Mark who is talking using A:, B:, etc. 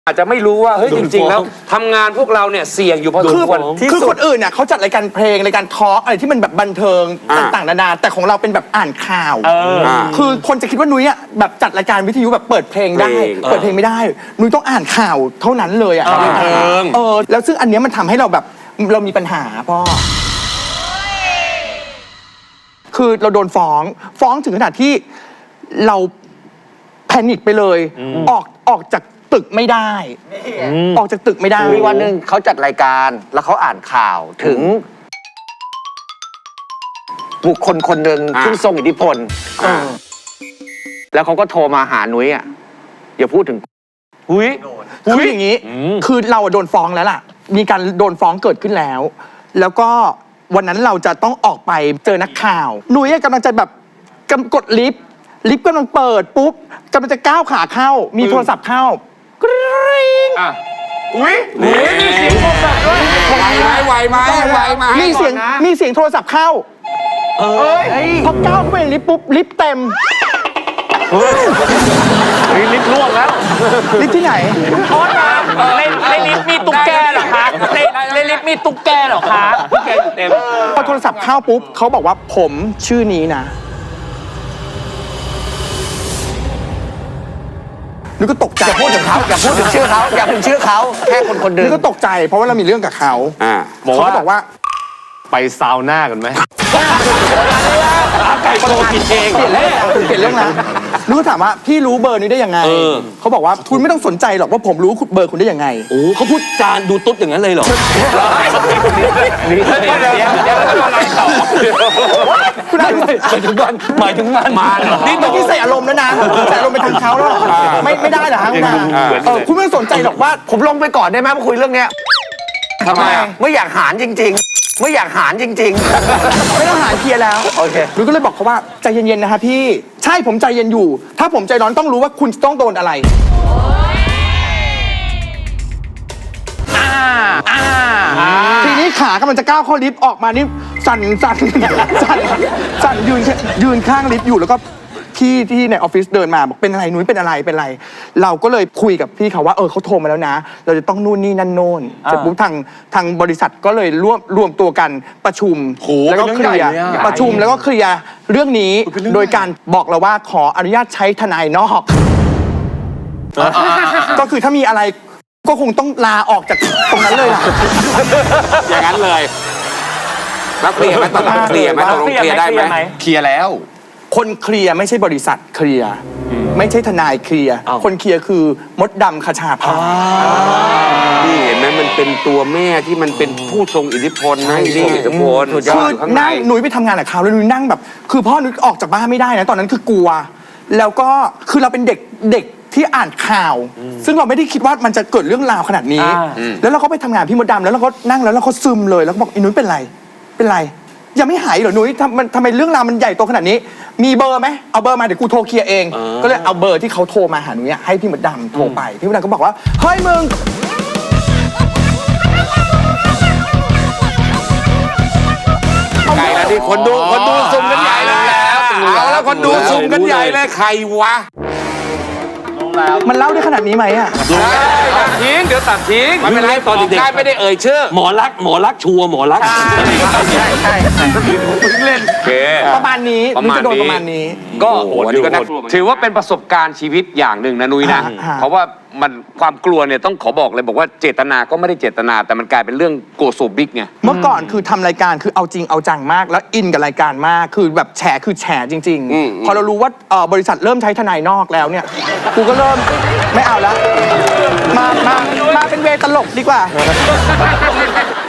A: อาจจะไม่รู้ว่าเฮ้ยจริงๆแล้วทำงานพวกเราเนี่ยเสี่ยงอยู่พอสมควร
B: คือคนอื่นเนี่ยเขาจัดรายการเพลงรายการทอล์กอะไรที่มันแบบบันเทิงต่างๆนานาแต่ของเราเป็นแบบอ่านข่าวคือคนจะคิดว่านุ้ยอ่ะแบบจัดรายการวิทยุแบบเปิดเพลงได้เปิดเพลงไม่ได้นุ้ยต้องอ่านข่าวเท่านั้นเลยอ่ะบันเทิงแล้วซึ่งอันเนี้ยมันทำให้เราแบบเรามีปัญหาพ่อคือเราโดนฟ้องถึงขนาดที่เราแพนิคไปเลยออกจากตึกไม่ได้ออกจากตึกไม่ได้
C: มีวันหนึ่งเขาจัดรายการแล้วเขาอ่านข่าวถึงบุคคลคนหนึ่งที่ทรงอิทธิพลแล้วเขาก็โทรมาหานุ้ยอ่ะอย่าพูดถึง
B: คืออย่างนี้คือเราโดนฟ้องแล้วล่ะมีการโดนฟ้องเกิดขึ้นแล้วแล้วก็วันนั้นเราจะต้องออกไปเจอนักข่าวนุ้ยกำลังจะแบบกดลิฟต์กำลังเปิดปุ๊บกำลังจะก้าวขาเข้ามีโทรศัพท์เข้ากริ๊ง
A: มีเสียงโทรศัพท์ด้วยไหวไหม
B: มีเสียงโทรศัพท์เข้าพอก้าวเข้าไปในลิฟต์ปุ๊บลิฟต์เต็ม
A: ลิฟต์ล่วงแล้ว
B: ลิฟต์ที่ไหน
D: โทษนะในลิฟต์มีตุ๊กแกเหรอคะในลิฟต์มีตุ๊กแกเหรอคะ
A: ตุ๊กแกอยู่เต็ม
B: พอโทรศัพท์เข้าปุ๊บเขาบอกว่าผมชื่อนี้นะนึกก็ตกใจ
C: อย่าพูดถึงเขาอย่าพูดถึงชื่อเขาอย่าพูดถึงชื่อเขาแค่คนหนึ่ง
B: นึกก็ตกใจเพราะว่าเรามีเรื่องกับเขาเขาบอกว่า
A: ไปซาวน่ากันไหม
B: ไก่โตกินเองเปลี่ยนเรื่องแล้วนึกก็ถามว่าพี่รู้เบอร์นี้ได้ยังไงเขาบอกว่าคุณไม่ต้องสนใจหรอกว่าผมรู้เบอร์คุณได้ยังไง
A: โอ้เขาพูดจานดูตุ๊ดอย่างนั้นเลยเหรอ
B: คุณหมายถึงมันนี่ตอนที่ใส่อารมณ์แล้วนะใส่อารมณ์ไปทางเขาแล้วไม่ได้เหรอฮะคุณไม่ต้องสนใจหรอกว่า
C: ผมลงไปก่อนได้ไหมมาคุยเรื่องเนี้ย
B: ทำไม
C: ไม่อยากหารจริงๆไม่อยากหารจริง
B: ๆไม่ต้องหารเคลียร์แล้ว
C: โอเค
B: นุ้ยก็เลยบอกเขาว่าใจเย็นๆนะคะพี่ใช่ผมใจเย็นอยู่ถ้าผมใจร้อนต้องรู้ว่าคุณจะต้องโดนอะไรทีนี้ขากำลังจะก้าวเข้าลิฟต์ออกมานี่สั่นยืนข้างลิฟต์อยู่แล้วก็ที่ในออฟฟิศเดินมาบอกเป็นอะไรนุ้ยเป็นอะไรเราก็เลยคุยกับพี่เขาว่าเขาโทรมาแล้วนะเราจะต้องนู่นนี่นั่นโน่นเสร็จปุ๊บทางบริษัทก็เลยรวมตัวกันประชุมแล้วก็เคลียร์ประชุมแล้วก็เคลียร์เรื่องนี้โดยการบอกเราว่าขออนุญาตใช้ทนายนอกก็คือถ้ามีอะไรก็คงต้องลาออกจากตรงนั้นเลยล่ะ
A: อย่างนั้นเลยแล้วเคลียร์ไหมตอนหลังเคลียร์ไหมตกลงเคลียร์ได้ไหมเคลียร์แล้ว
B: คนเคลียร์ไม่ใช่บริษัทเคลียร์ไม่ใช่ทนายเคลียร์คนเคลียร์คือมดดำคชาภา
A: นี่เห็นไหมมันเป็นตัวแม่ที่มันเป็นผู้ทรงอิทธิพลนะอิทธิพล
B: คือนั่งหนุ่ยไปทำงานกับเขาแล้วหนุ่ยนั่งแบบคือพ่อหนุ่ยออกจากบ้านไม่ได้นะตอนนั้นคือกลัวแล้วก็คือเราเป็นเด็กที่อ่านข่าวซึ่งเราไม่ได้คิดว่ามันจะเกิดเรื่องราวขนาดนี้แล้วเราก็ไปทำงานพี่มดดำแล้วเราก็นั่งแล้วเราก็ซึมเลยแล้วก็บอกไอ้หนุ่ยเป็นไรยังไม่หายเหรอนุ้ยทำไมเรื่องราวมันใหญ่โตขนาดนี้มีเบอร์ไหมเอาเบอร์มาเดี๋ยวกูโทรเคลียร์เองก็เลยเอาเบอร์ที่เขาโทรมาหานุ้ยให้พี่มดดำโทรไปพี่มดดำก็บอกว่าเฮ้ยมึง
A: ใหญ่แล้วดิคนดูซุ่มกันใหญ่เลยเอาแล้วคนดูซุ่มกันใหญ่เลยใครวะ
B: มันเล่าได้ขนาดนี้ไหมอ่ะ
A: ตัดทิ้งเดี๋ยวตัดทิ้งไม่เป็นไรตอนเด็กๆไม่ได้เอ่ยชื่อหมอรักชัวหมอรัก
B: ใช่
A: เล่น
B: ประมาณนี้นุ้ยจะโดนประมาณนี้
A: ก็โหดก็ถือว่าเป็นประสบการณ์ชีวิตอย่างหนึ่งนะนุ้ยนะเพราะว่ามันความกลัวเนี่ยต้องขอบอกเลยบอกว่าเจตนาก็ไม่ได้เจตนาแต่มันกลายเป็นเรื่องโกโซบิ๊กไง
B: เมื่อก่อนคือทำรายการคือเอาจริงเอาจังมากแล้วอินกับรายการมากคือแบบแฉจริงๆพอเรารู้ว่าบริษัทเริ่มใช้ทนายนอกแล้วเนี่ยกูก็เริ่มไม่เอาแล้วมาเป็นเวตลกดีกว่า